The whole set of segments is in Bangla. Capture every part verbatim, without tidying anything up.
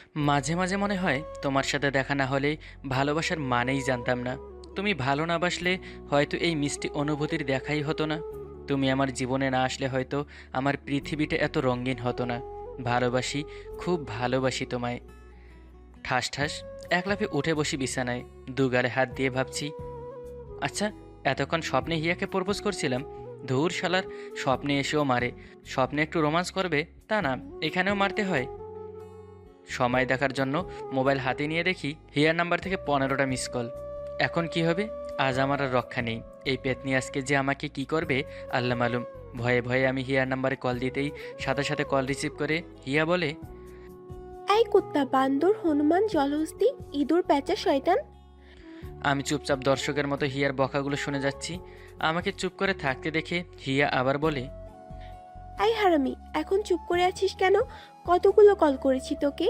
মাঝে মাঝে মনে হয় তোমার সাথে দেখা না হলে ভালোবাসার মানেই জানতাম না। তুমি ভালো না বাসলে হয়তো এই মিষ্টি অনুভূতির দেখাই হতো না। তুমি আমার জীবনে না আসলে হয়তো আমার পৃথিবীটা এত রঙিন হতো না। ভালোবাসি, খুব ভালোবাসি তোমায়। ঠাস ঠাস এক লাফে উঠে বসি বিছানায়, দুগালে হাত দিয়ে ভাবছি, আচ্ছা, এতক্ষণ স্বপ্নে হিয়াকে প্রপোজ করছিলাম। ধুর শালার, স্বপ্নে এসেও মারে। স্বপ্নে একটু রোমান্স করবে তা না, এখানেও মারতে হয়। সময় দেখার জন্য মোবাইল হাতে নিয়ে দেখি হিয়ার নাম্বার থেকে পনেরোটা মিস কল। এখন কি হবে? আজ আমার আর রক্ষা নেই। এই পেতনি আজকে যে আমাকে কি করবে আল্লাহ মালুম। ভয়ে ভয়ে আমি হিয়ার নাম্বারে কল দিতেই সাথে সাথে কল রিসিভ করে হিয়া বলে, এই কুত্তা, বান্দর, হনুমান, জলহস্তি, ইঁদুর, প্যাঁচা, শয়তান। আমি চুপচাপ দর্শকের মতো হিয়ার বকাগুলো শুনে যাচ্ছি। আমাকে চুপ করে থাকতে দেখে হিয়া আবার বলে, এই হারামি, এখন চুপ করে আছিস কেন? কতগুলো কল করেছি তোকে।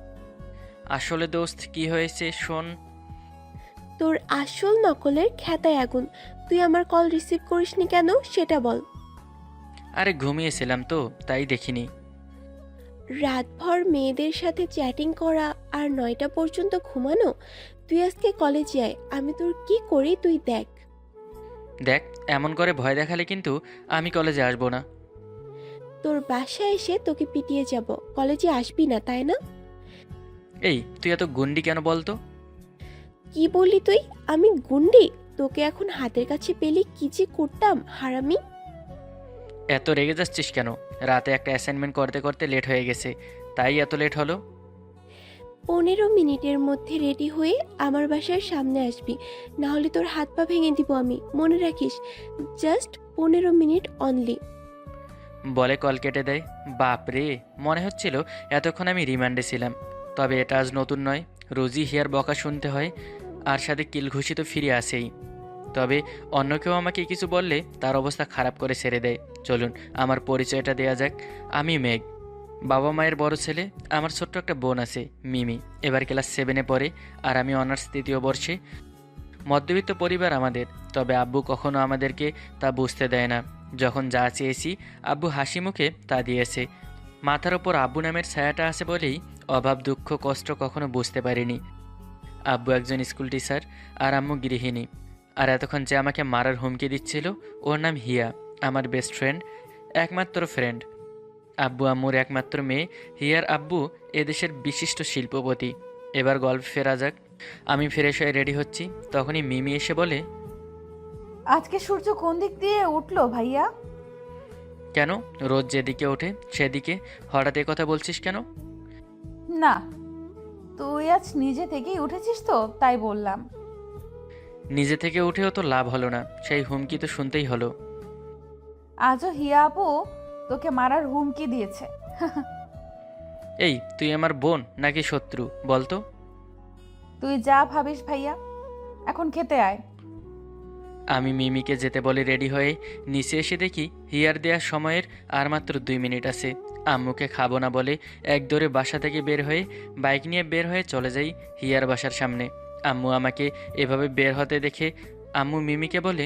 আসলে দোস্ত কি হয়েছে শোন। তোর আসল নকলের খ্যাতায় আগুন। তুই আমার কল রিসিভ করিসনি কেন সেটা বল। আরে ঘুমিয়েছিলাম তো, তাই দেখিনি। রাতভর মেয়েদের সাথে চ্যাটিং করা আর নয়টা পর্যন্ত ঘুমানো। তুই আজকে কলেজে আয়, আমি তোর কি করি তুই দেখ। দেখ, এমন করে ভয় দেখালে কিন্তু আমি কলেজে আসবো না। তোর বাসায় এসে তোকে পিটিয়ে যাব। কলেজে আসবি না তাই না? এই তুই এত গুন্ডি কেন বলতো? কি বললি তুই? আমি গুন্ডি? তোকে এখন হাতের কাছে পেলে কি যে করতাম হারামি। এত রেগে যাচ্ছিস কেন? রাতে একটা অ্যাসাইনমেন্ট করতে করতে লেট হয়ে গেছে, তাই এত লেট হলো। পনেরো মিনিটের মধ্যে রেডি হয়ে আমার বাসার সামনে আসবি, না হলে তোর হাত পা ভেঙে দিব আমি, মনে রাখিস। জাস্ট পনেরো মিনিট অনলি। বলে কল কেটে দেয়। বাপ রে, মনে হচ্ছিল এতক্ষণ আমি রিমান্ডে ছিলাম। তবে এটা আজ নতুন নয়, রোজই হিয়ার বকা শুনতে হয়। আর সাথে কিলঘুষি তো ফিরে আসেই। তবে অন্য কেউ আমাকে কিছু বললে তার অবস্থা খারাপ করে ছেড়ে দেয়। চলুন আমার পরিচয়টা দেয়া যাক। আমি মেঘ, বাবা মায়ের বড় ছেলে। আমার ছোট্ট একটা বোন আছে, মিমি, এবার ক্লাস সেভেনে পড়ে। আর আমি অনার্স তৃতীয় বর্ষে। মধ্যবিত্ত পরিবার আমাদের, তবে আব্বু কখনো আমাদেরকে তা বুঝতে দেয় না। যখন যা চেয়েছি আব্বু হাসি মুখে তা দিয়েছে। মাথার ওপর আব্বু নামের ছায়াটা আছে বলেই অভাব দুঃখ কষ্ট কখনো বুঝতে পারিনি। আব্বু একজন স্কুল টিচার আর আম্মু গৃহিণী। আর এতক্ষণ যে আমাকে মারার হুমকি দিচ্ছিল, ওর নাম হিয়া, আমার বেস্ট ফ্রেন্ড, একমাত্র ফ্রেন্ড। আব্বু আম্মুর একমাত্র মেয়ে। হিয়ার আব্বু এদেশের বিশিষ্ট শিল্পপতি। এবার গল্প ফেরা যাক। আমি ফ্রেশ হয়ে রেডি হচ্ছি, তখনই মিমি এসে বলে, আজকে সূর্য কোন দিক দিয়ে উঠলো ভাইয়া? কেন, রোজ যেদিকে ওঠে সেদিকে, হঠাৎ এ কথা বলছিস কেন? না, তুই আজ নিজে থেকেই উঠেছিস তো তাই বললাম। নিজে থেকে উঠেও তো লাভ হলো না, সেই হুমকি তো শুনতেই হলো। আজও হিয়া আপু তোকে মারার হুমকি দিয়েছে। এই তুই আমার বোন নাকি শত্রু বলতো? তুই যা ভাবিস ভাইয়া, এখন খেতে আয়। আমি মিমিকে যেতে বলে রেডি হয়ে নিচে এসে দেখি হিয়ার দেওয়ার সময়ের আর মাত্র দুই মিনিট আছে। আম্মুকে খাবো না বলে এক দৌড়ে বাসা থেকে বের হয়ে বাইক নিয়ে বের হয়ে চলে যাই হিয়ার বাসার সামনে। আম্মু আমাকে এভাবে বের হতে দেখে আম্মু মিমিকে বলে,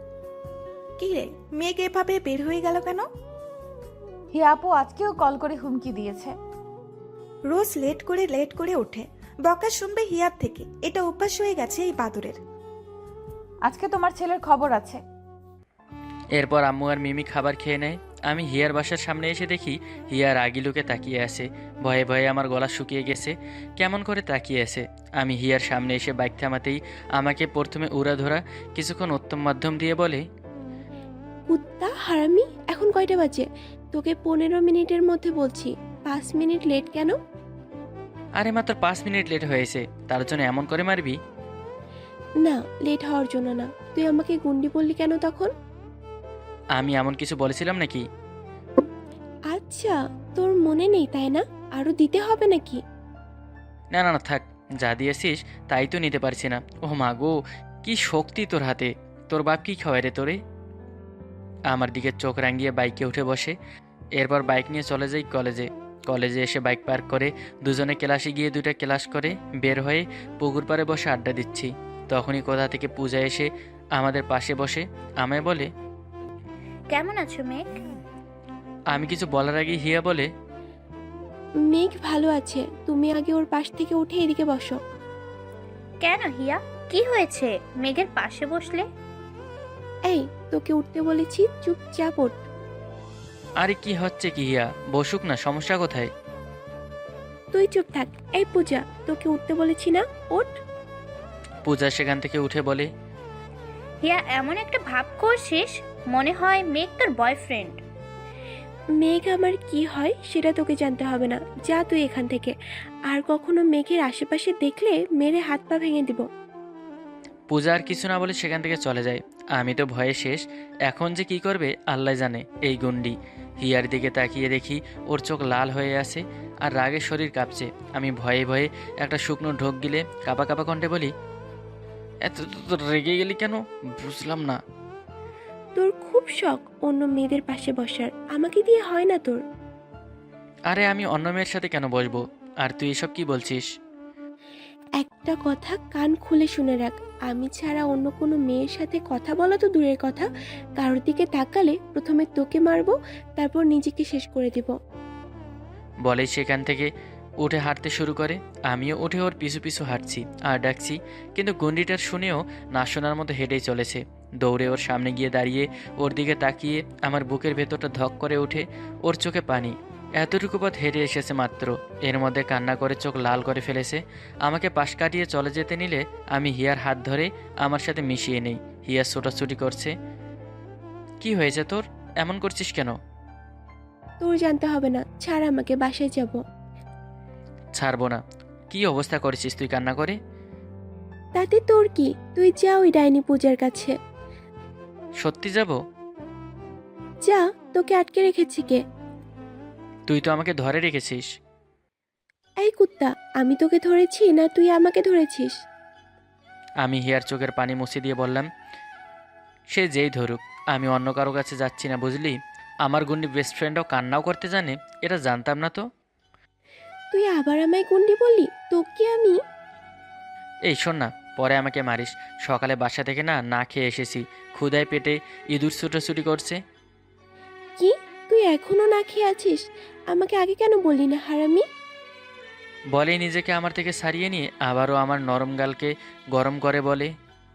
কি রে, মেঘ এভাবে বের হয়ে গেল কেন? হিয়া আপু আজকেও কল করে হুমকি দিয়েছে। রোজ লেট করে লেট করে ওঠে, বকা শুনবে হিয়ার থেকে, এটা অভ্যাস হয়ে গেছে এই বাদুরের। আজকে তোমার ছেলের খবর আছে। এরপর আম্মু আর মিমি খাবার খেয়ে নেয়। আমি হিয়ার বাসার সামনে এসে দেখি হিয়া রাগি লুকে তাকিয়ে আছে। ভয়ে ভয়ে আমার গলা শুকিয়ে গেছে, কেমন করে তাকিয়ে আছে। আমি হিয়ার সামনে এসে বাইক থামাতেই আমাকে প্রথমে উড়াধরা কিছুক্ষণ উত্তম মাধ্যম দিয়ে বলে, কুত্তা, হারামি, এখন কয়টা বাজে? তোকে পনেরো মিনিটের মধ্যে বলছি, পাঁচ মিনিট লেট কেন? আরে মাত্র পাঁচ মিনিট লেট হয়েছে, তার জন্য এমন করে মারবি? না, লেট হওয়ার জন্য না। তুই আমাকে গুন্ডি বললি কেন তখন? আমি এমন কিছু বলেছিলাম নাকি? আচ্ছা, তোর মনে নেই তাই না? আরো দিতে হবে নাকি? না না না, থাক, যা দিয়েছিস তাই তো নিতে পারছি না। ও মা গো, কি শক্তি তোর হাতে! তোর বাপ কি খাওয়ায় রে তোরে? আমার দিকে চোখ রাঙিয়ে বাইকে উঠে বসে। এরপর বাইক নিয়ে চলে যাই কলেজে। কলেজে এসে বাইক পার্ক করে দুজনে ক্লাসে গিয়ে দুইটা ক্লাস করে বের হয়ে পুকুর পাড়ে বসে আড্ডা দিচ্ছি। তখনই কোথা থেকে পূজা এসে আমাদের পাশে বসে আমায় বলে, কেমন আছো মেঘ? আমি কিছু বলার আগে হিয়া বলে, মেঘ ভালো আছে, তুমি আগে ওর পাশ থেকে উঠে এদিকে বসো। কেন হিয়া, কি হয়েছে? মেঘের পাশে বসলে? এই, তোকে উঠতে বলেছি, চুপচাপ ওঠ। আরে কি হচ্ছে কি হিয়া, বসুক না, সমস্যা কোথায়? তুই চুপ থাক। এই পূজা, তোকে উঠতে বলেছি না, ওঠ। পূজা সেখান থেকে উঠে বলে, হিয়া, এমন একটা ভাব করছিস মনে হয় মেঘ তোর বয়ফ্রেন্ড। মেঘ আমার কি হয় সেটা তোকে জানতে হবে না, যা তুই এখান থেকে। আর কখনো মেঘের আশেপাশে দেখলে মেরে হাত পা ভেঙে দিব। পূজা আর কিছু না বলে সেখান থেকে চলে যায়। আমি তো ভয়ে শেষ। এখন যে কি করবে আল্লাহ জানে। এই গুন্ডি হিয়ার দিকে তাকিয়ে দেখি ওর চোখ লাল হয়ে আছে আর রাগে শরীর কাঁপছে। আমি ভয়ে ভয়ে একটা শুকনো ঢোক গিলে কাঁপা কাঁপা কণ্ঠে বলি, এত তো রেগে গেলি কেন? বুঝলাম না। তোর খুব শখ অন্য মেয়েদের পাশে বসার, আমাকে দিয়ে হয় না তোর। আরে আমি অন্য মেয়ের সাথে কেন বসবো? আর তুই এসব কি বলছিস? একটা কথা কান খুলে শুনে রাখ, আমি ছাড়া অন্য কোনো মেয়ের সাথে কথা বলা তো দূরের কথা, কারোর দিকে তাকালে প্রথমে তোকে মারবো, তারপর নিজেকে শেষ করে দিব। বলেই সেখান থেকে উঠে হাঁটতে শুরু করে। আমিও উঠে ওর পিছু পিছু হাঁটছি আর ডাকছি, কিন্তু গুন্ডিটার শুনেও না শোনার মতো হেঁটেই চলেছে। দৌড়ে ওর সামনে গিয়ে দাঁড়িয়ে ওর দিকে তাকিয়ে আমার বুকের ভেতরটা ধক করে ওঠে। ওর চোখে পানি। এতটুকু পথ হেঁটে এসেছে মাত্র, এর মধ্যে কান্না করে চোখ লাল করে ফেলেছে। আমাকে পাশ কাটিয়ে চলে যেতে নিলে আমি হিয়ার হাত ধরে আমার সাথে মিশিয়ে নেই। হিয়া ছোটাছুটি করছে। কি হয়েছে তোর? এমন করছিস কেন? তোর জানতে হবে না, ছাড় আমাকে, বাসায় যাব। ছাড়বো না। কি অবস্থা করেছিস তুই কান্না করে? তাতে তোর কি, তুই যা ওই ডাইনি পূজার কাছে সত্যি যাব? যা, তোকে আটকে রেখেছি কে? তুই তো আমাকে ধরে রেখেছিস। এই কুত্তা, আমি তোকে ধরেছি না তুই আমাকে ধরেছিস? আমি হিয়ার চোখের পানি মুছে দিয়ে বললাম, সে যেই ধরুক, আমি অন্য কারো কাছে যাচ্ছি না, বুঝলি? আমার গুন্ডি বেস্ট ফ্রেন্ডও কান্নাও করতে জানে, এটা জানতাম না তো। তুই আবার আমায় গুন্ডি বললি? তোকে আমি এই শোন না, পরে আমাকে মারিস। সকালে বাসা থেকে না না খেয়ে এসেছি, ক্ষুধায় পেটে ইঁদুর ছুটোছুটি করছে। কি, তুই এখনো না খেয়ে আছিস? আমাকে আগে কেন বললি না, হারামি? বলেই নিজেকে আমার থেকে সারিয়ে নিয়ে আবারও আমার নরম গালকে গরম করে বলে,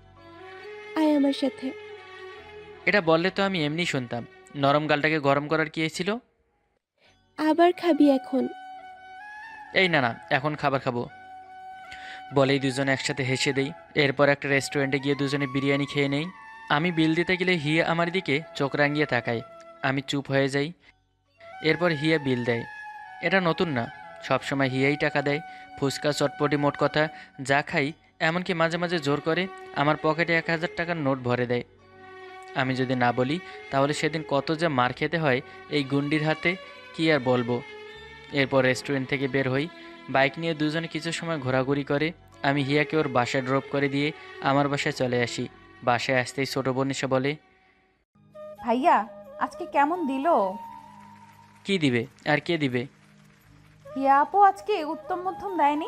আয় আমার সাথে। এটা বললে তো আমি এমনি শুনতাম। নরম গালটাকে গরম করার কি ছিল? আবার খাবি এখন? এই না না, এখন খাবার খাবো। বলেই দুজনে একসাথে হেসে দেই। এরপর একটা রেস্টুরেন্টে গিয়ে দুজনে বিরিয়ানি খেয়ে নেই। আমি বিল দিতে গেলে হিয়া আমার দিকে চোখ রাঙিয়ে তাকায়। আমি চুপ হয়ে যাই। এরপর হিয়া বিল দেয়। এটা নতুন না, সবসময় হিয়াই টাকা দেয়। ফুচকা, চটপটি, মোট কথা যা খাই, এমনকি মাঝে মাঝে জোর করে আমার পকেটে এক হাজার টাকার নোট ভরে দেয়। আমি যদি না বলি তাহলে সেদিন কত যে মার খেতে হয় এই গুন্ডির হাতে, কি আর বলবো। এরপর রেস্টুরেন্ট থেকে বের হই। বাইক নিয়ে দুজনে কিছু সময় ঘোরাঘুরি করে আমি হিয়াকে ওর বাসায় ড্রপ করে দিয়ে আমার বাসায় চলে আসি। বাসায় আসতেই ছোটো বোন এসে বলে, ভাইয়া আজকে কেমন দিলো? কি দিবে আর কে দিবে? হিয়া আপু আজকে উত্তম মধ্যম দেয়নি।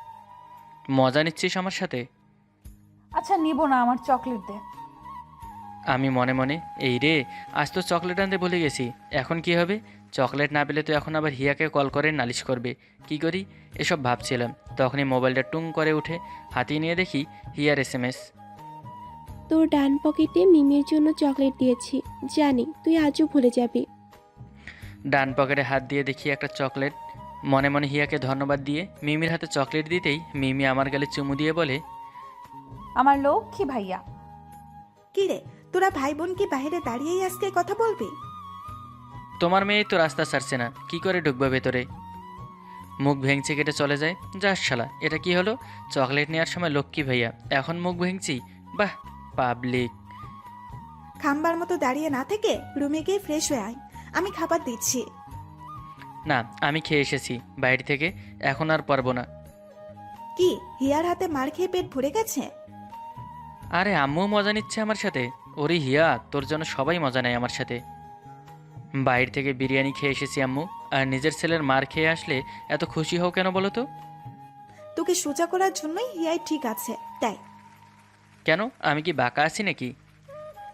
মজা নিচ্ছিস আমার সাথে? আচ্ছা নিব না, আমার চকলেট দে। আমি মনে মনে, এই রে, আজ তো চকলেট আনতে ভুলে গেছি। এখন কি হবে? চকলেট না পেলে তো এখন আবার হিয়াকে কল করে নালিশ করবে। কি করি এসব ভাবছিলাম, তখনই মোবাইলটা টুং করে উঠে হাতিয়ে নিয়ে দেখি হিয়ার এস এম এস। তোর ডান পকেটে মিমির জন্য চকলেট দিয়েছি, জানি তুই আজও ভুলে যাবি। ডান পকেটে হাত দিয়ে দেখি একটা চকলেট। মনে মনে হিয়াকে ধন্যবাদ দিয়ে মিমির হাতে চকলেট দিতেই মিমি আমার গালে চুমু দিয়ে বলে, আমার লক্ষ্মী ভাইয়া। কি রে, তোরা ভাই বোন কি বাইরে দাঁড়িয়েই আজকে কথা বলবি? তোমার মেয়ে তো রাস্তা ছাড়ছে না, কি করে ঢুকবে ভেতরে? মুখ ভেঙচি কেটে চলে যায়। যাস শালা, এটা কি হলো? চকলেট নেওয়ার সময় লক্ষ্মী ভাইয়া, এখন মুখ ভেঙচি? বাহ, পাবলিক। খাম্বার মতো দাঁড়িয়ে না থেকে রুমে গিয়ে ফ্রেশ হয়ে আয়, আমি খাবার দিচ্ছি। না, আমি খেয়ে এসেছি বাইরে থেকে, এখন আর পারবো না। কি, হিয়ার হাতে মার খেয়ে পেট ভরে গেছে? আরে আম্মু মজা নিচ্ছে আমার সাথে। ওরে হিয়া, তোর জন্য সবাই মজা নেয় আমার সাথে। বাইরে থেকে বিরিয়ানি খেয়ে এসেছি আম্মু, আর নিজের ছেলের মার খেয়ে আসলে এত খুশি হও কেন বলো তো? তোকে সোজা করার জন্যই হিয়াই ঠিক আছে, তাই। কেন, আমি কি বাঁকা আছি নাকি?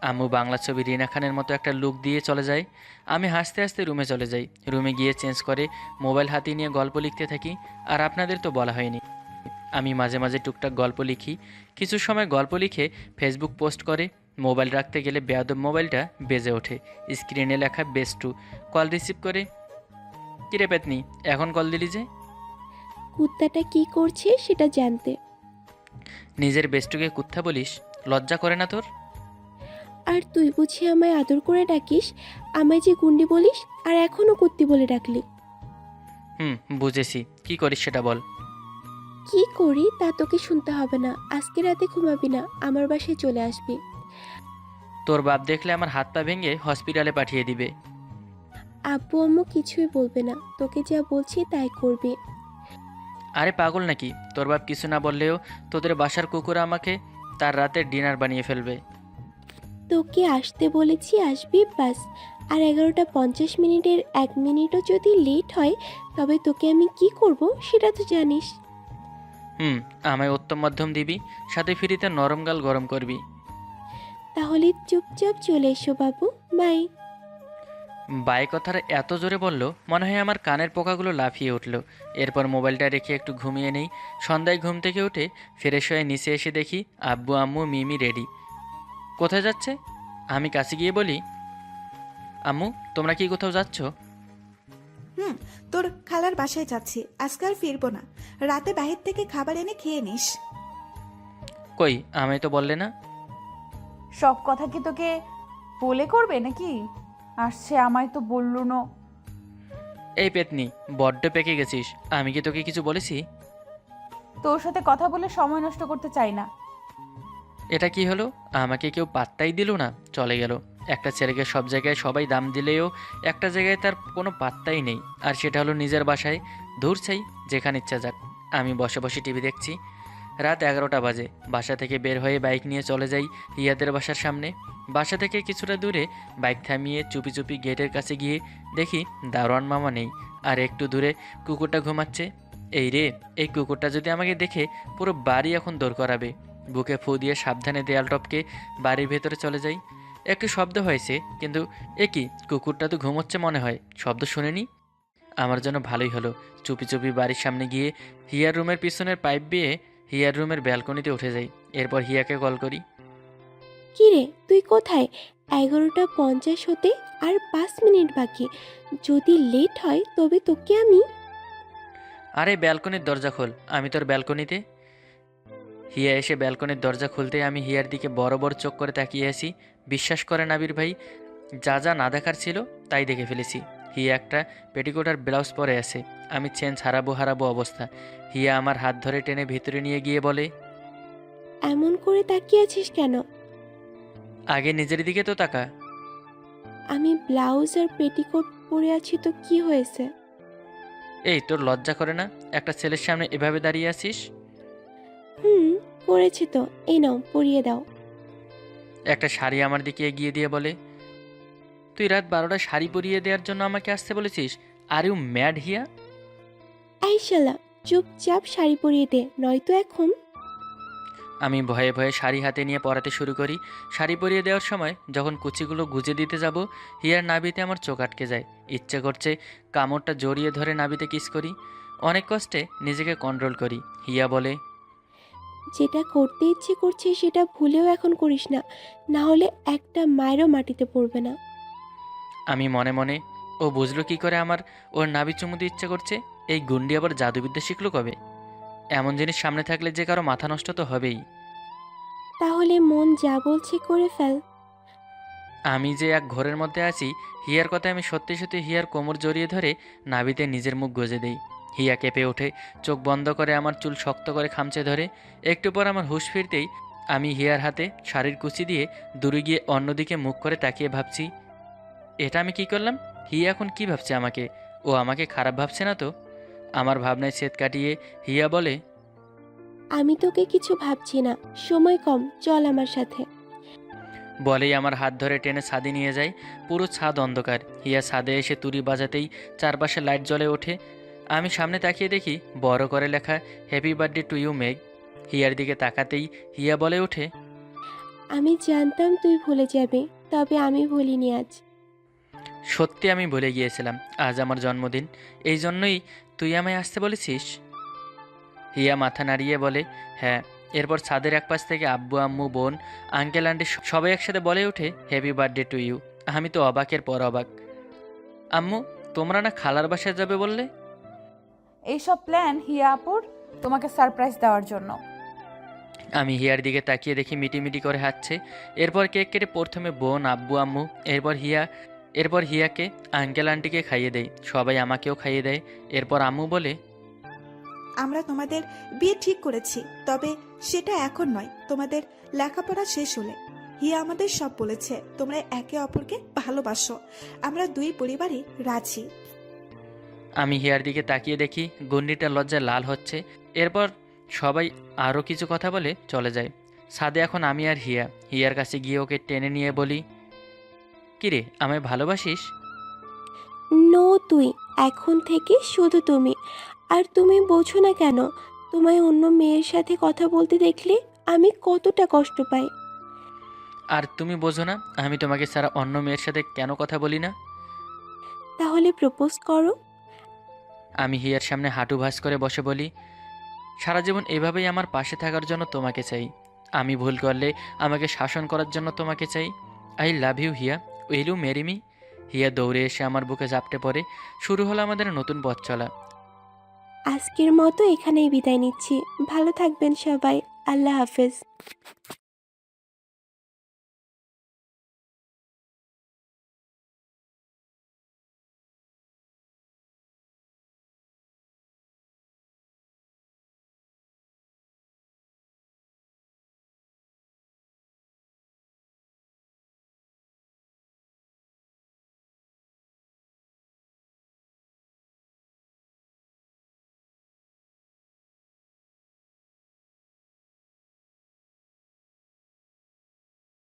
আম্মু বাংলা ছবি রিনা খানের মতো একটা লুক দিয়ে চলে যায়। আমি হাসতে হাসতে রুমে চলে যাই। রুমে গিয়ে চেঞ্জ করে মোবাইল হাতে নিয়ে গল্প লিখতে থাকি। আর আপনাদের তো বলা হয়নি, আমি মাঝে মাঝে টুকটাক গল্প লিখি। কিছু সময় গল্প লিখে ফেসবুক পোস্ট করে মোবাইল রাখতে গেলে বেয়াদব মোবাইলটা বেজে ওঠে। স্ক্রিনে লেখা বেস্ট টু। কল রিসিভ করে, কিরে পেতনি এখন কল দিলি যে? কুত্তাটা কি করছে সেটা জানতে। নিজের বেস্টুকে কুত্থা বলিস? লজ্জা করে না তোর? আর তুই বুঝি আমায় আদর করে ডাকিস, আমায় যে গুন্ডি বলিস, আর এখনো কুত্তি বলে ডাকলি। হুম, বুঝেছি। কি করিস সেটা বল। কি করি তা তোকে শুনতে হবে না। আজকে রাতে ঘুমাবি না, আমার বাসায় চলে আসবি। তোর বাপ দেখলে আমার হাত পা ভেঙে হসপিটালে পাঠিয়ে দিবে। আব্বু আম্মু কিছুই বলবে না, তোকে যা বলছি তাই করবি। আরে পাগল নাকি? তোর বাপ কিছু না বললেও তোদের বাসার কুকুর আমাকে তার রাতে ডিনার বানিয়ে ফেলবে। তোকে আসতে বলেছি, আসবি বাস। আর এগারোটা পঞ্চাশ মিনিটের এক মিনিটও যদি লেট হয় তবে তোকে আমি কি করব সেটা তো জানিস। হুম, আমায় উত্তম মধ্যম দিবি, সাথে ফ্রিতে নরম গাল গরম করবি। তাহলে চুপচাপ চলে এসো বাবু, বাই। বাই কথাটা এত জোরে বলল মনে হয় আমার কানের পোকাগুলো লাফিয়ে উঠল। এরপর মোবাইলটা রেখে একটু ঘুমিয়ে নেই। সন্ধ্যায় ঘুম থেকে উঠে ফ্রেশ হয়ে নিচে এসে দেখি আব্বু আম্মু মিমি রেডি। কোথায় যাচ্ছে? আমি কাছে গিয়ে বলি, আম্মু তোমরা কি কোথাও যাচ্ছ? হুম, তোর খালার বাসায় যাচ্ছি, আজকে আর ফিরবো না। রাতে বাহির থেকে খাবার এনে খেয়ে নিস। কই, আমায় তো বললে না। সব কথা কি তোকে বলে করবে নাকি? আসছে আমায় তো বললো না। এই পেতনি, বড্ড পেকে গেছিস। আমি কি তোকে কিছু বলেছি? তোর সাথে কথা বলে সময় নষ্ট করতে চাই না। এটা কি হলো? আমাকে কেউ পাত্তাই দিল না, চলে গেল। একটা ছেলেকে সব জায়গায় সবাই দাম দিলেও একটা জায়গায় তার কোনো পাত্তাই নেই, আর সেটা হলো নিজের বাসায়। দূর চাই, যেখানে ইচ্ছা যাক। আমি বসে বসে টিভি দেখছি। রাত এগারোটা বাজে। বাসা থেকে বের হয়ে বাইক নিয়ে চলে যাই হিয়াদের বাসার সামনে। বাসা থেকে কিছুটা দূরে বাইক থামিয়ে চুপি চুপি গেটের কাছে গিয়ে দেখি দারোয়ান মামা নেই, আর একটু দূরে কুকুরটা ঘুমাচ্ছে। এই রে, এই কুকুরটা যদি আমাকে দেখে পুরো বাড়ি এখন দৌড় করাবে। বুকে ফু দিয়ে সাবধানে দেয়াল টপকে বাড়ির ভেতরে চলে যাই। একটু শব্দ হয়েছে, কিন্তু এ কি, কুকুরটা তো ঘুমোচ্ছে মনে হয়, শব্দ শুনেনি। আমার জন্য ভালোই হলো। চুপি চুপি বাড়ির সামনে গিয়ে হিয়ার রুমের পিছনের পাইপ বেয়ে হিয়ার রুমের ব্যালকনিতে উঠে যাই। এরপর হিয়াকে কল করি। কি রে, তুই কোথায়? এগারোটা পঞ্চাশ হতে আর পাঁচ মিনিট বাকি। যদি লেট হয় তবে তোকে আমি। আরে ব্যালকনির দরজা খোল, আমি তোর ব্যালকনিতে। হিয়া এসে ব্যালকনির দরজা খুলতেই আমি হিয়ার দিকে বড় বড় চোখ করে তাকিয়ে আছি। বিশ্বাস করে নাবির ভাই, যা যা না দেখার ছিল তাই দেখে ফেলেছি। হিয়া একটা পেটিকোট আর ব্লাউজ পরে আছে। আমি চেঞ্জ হারাবো হারাবো অবস্থা। হিয়া আমার হাত ধরে টেনে ভিতরে নিয়ে গিয়ে বলে, এমন করে তাকিয়ে আছিস কেন? আগে নিজের দিকে তো তাকা। আমি ব্লাউজ আর পেটিকোট পরে আছি তো কি হয়েছে? এই, তোর লজ্জা করে না একটা ছেলের সামনে এভাবে দাঁড়িয়ে আছিস? হুম, করেছি তো। এই নাও, পরিয়ে দাও। একটা শাড়ি আমার দিকে এগিয়ে দিয়ে বলে, তুই রাত বারোটা শাড়ি পরিয়ে দেওয়ার জন্য আমাকে আসতে বলেছিস? Are you mad Hiya? এই শালা, চুপচাপ শাড়ি পরিয়ে দে, নয়তো এখন। আমি ভয়ে ভয়ে শাড়ি হাতে নিয়ে পরাতে শুরু করি। শাড়ি পরিয়ে দেওয়ার সময় যখন কুচিগুলো গুজে দিতে যাব, হিয়ার নাভিতে আমার চোখ আটকে যায়। ইচ্ছে করছে কামড়টা জড়িয়ে ধরে নাভিতে কিস করি। অনেক কষ্টে নিজেকে কন্ট্রোল করি। হিয়া বলে, যেটা করতে ইচ্ছে করছে সেটা ভুলেও এখন করিস না, না হলে একটা মায়েরও মাটিতে পড়বে না। আমি মনে মনে, ও বুঝলো কি করে আমার ওর নাভি চুমুতে ইচ্ছে করছে? এই গুন্ডি আবার জাদুবিদ্যা শিখলো কবে? এমন জিনিস সামনে থাকলে যে কারো মাথা নষ্ট তো হবেই। তাহলে মন যা বলছে করে ফেল। আমি যে এক ঘরের মধ্যে আছি, হিয়ার কথা আমি সত্যি সত্যি হিয়ার কোমর জড়িয়ে ধরে নাভিতে নিজের মুখ গজে দেই। হিয়া কেঁপে ওঠে, চোখ বন্ধ করে আমার চুল শক্ত করে খামচে ধরে। একটু পর আমার হুঁশ ফিরতেই আমি হিয়ার হাতে শাড়ির কুচি দিয়ে দূরে গিয়ে অন্যদিকে মুখ করে তাকিয়ে ভাবছি, এটা আমি কি করলাম? হিয়া এখন কি ভাবছে আমাকে? ও আমাকে খারাপ ভাবছে না তো? আমার ভাবনায় ছেদ কাটিয়ে হিয়া বলে, আমি তোকে কিছু ভাবছি না, সময় কম, চল আমার সাথে। বলেই আমার হাত ধরে টেনে ছাদে নিয়ে যায়। পুরো ছাদ অন্ধকার। হিয়া ছাদে এসে তুড়ি বাজাতেই চারপাশে লাইট জ্বলে ওঠে। আমি সামনে তাকিয়ে দেখি বড় করে লেখা happy birthday to you Megh. হিয়ার দিকে তাকাতেই হিয়া বলে ওঠে, আমি জানতাম তুই ভুলে যাবি, তবে আমি ভুলিনি আজ। সত্যি আমি ভুলে গিয়েছিলাম আজ আমার জন্মদিন, এই জন্যই তুই আমায় আসতে বলেছিস। হিয়া মাথা নাড়িয়ে বলে হ্যাঁ। এরপর ছাদের এক পাশ থেকে আব্বু আম্মু বোন আঙ্কেল আন্টি সবাই একসাথে বলে ওঠে হ্যাপি বার্থডে টু ইউ। আমি তো অবাকের পর অবাক। আম্মু, তোমরা না খালার বাসায় যাবে বললে? এইসব প্ল্যান হিয়া আপুর তোমাকে সারপ্রাইজ দেওয়ার জন্য। আমি হিয়ার দিকে তাকিয়ে দেখি মিটিমিটি করে হাঁটছে। এরপর কেক কেটে প্রথমে বোন আব্বু আম্মু, এরপর হিয়া, এরপর হিয়াকে আঙ্কেল আন্টিকে খাইয়ে দেয়, সবাই আমাকেও খাইয়ে দেয়। এরপর আম্মু বলে আমরা তোমাদের বিয়ে ঠিক করেছি, তবে সেটা এখন নয়, তোমাদের লেখাপড়া শেষ হলে। হিয়া আমাদের সব বলেছে, তোমরা একে অপরকে ভালোবাসো। আমরা দুই পরিবারই রাজি। আমি হিয়ার দিকে তাকিয়ে দেখি গন্ডিটা লজ্জায় লাল হচ্ছে। এরপর সবাই আরও কিছু কথা বলে চলে যায়। ছাদে এখন আমি আর হিয়া। হিয়ার কাছে গিয়ে ওকে টেনে নিয়ে বলি, কিরে আমায় ভালোবাসিস? নো, তুই এখন থেকে শুধু তুমি। আর তুমি বোঝো না কেন, তোমায় অন্য মেয়ের সাথে কথা বলতে দেখলে আমি কতটা কষ্ট পাই। আর তুমি বোঝো না আমি তোমাকে ছাড়া অন্য মেয়ের সাথে কেন কথা বলি না? তাহলে প্রপোজ করো। আমি হিয়ার সামনে হাঁটু ভাঁজ করে বসে বলি, সারা জীবন এভাবেই আমার পাশে থাকার জন্য তোমাকে চাই। আমি ভুল করলে আমাকে শাসন করার জন্য তোমাকে চাই। I love you Hiya, will you marry me? Hiya দৌড়ে এসে আমার বুকে ঝাপটে পড়ে। শুরু হলো আমাদের নতুন পথ চলা। আজকের মতো এখানেই বিদায় নিচ্ছি। ভালো থাকবেন সবাই। আল্লাহ হাফেজ।